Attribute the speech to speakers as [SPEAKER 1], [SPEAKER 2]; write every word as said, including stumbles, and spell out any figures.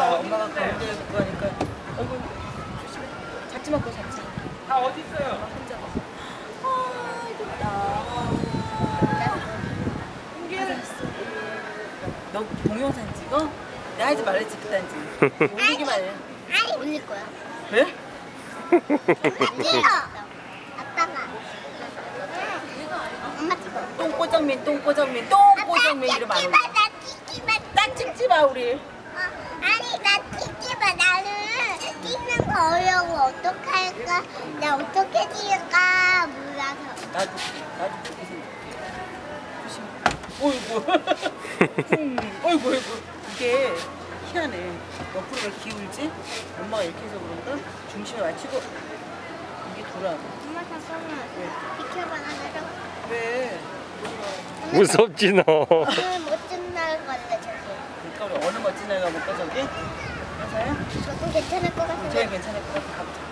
[SPEAKER 1] 봐. 엄마가 가운데 있고 하니까. 어이구, 조심해. 잡지 마, 그거 잡지 마.
[SPEAKER 2] 다 어디 있어요?
[SPEAKER 1] 혼자 봐. 아, 좋다. 너 동영상 찍어? 내가 하지 말랬지, 그딴지. 올리기만 해.
[SPEAKER 3] 아니 올릴 거야.
[SPEAKER 1] 왜?
[SPEAKER 3] 찍어. 아빠가. 엄마 찍어.
[SPEAKER 1] 똥꼬정민, 똥꼬정민, 똥꼬정민 이름 안 올려.
[SPEAKER 3] 나 찍지 마.
[SPEAKER 1] 딱 찍지 마, 우리.
[SPEAKER 3] 어, 아니 나 찍지 마. 나는 찍는 거 어려워. 어떡할까? 나 어떻게 찍을까 몰라서.
[SPEAKER 1] 나도, 나도 그렇게 생각해. 조심해. 어이구. 음, 어이구, 어이구. 이게 희한해. 옆으로 왜 기울지? 엄마가 이렇게 해서 그런가? 중심에 맞추고 이게 돌아.
[SPEAKER 3] 엄마 잠깐만.
[SPEAKER 1] 왜?
[SPEAKER 3] 비켜봐 나를.
[SPEAKER 1] 왜?
[SPEAKER 4] 무섭지 너.
[SPEAKER 3] 오늘 멋진 날 갈래 저기.
[SPEAKER 1] 그러니까 우리 어느 멋진 날 가볼까 저기? 회사야?
[SPEAKER 3] 저도 괜찮을 것
[SPEAKER 1] 제일
[SPEAKER 3] 같은데.
[SPEAKER 1] 괜찮을 것 같아. 가보자.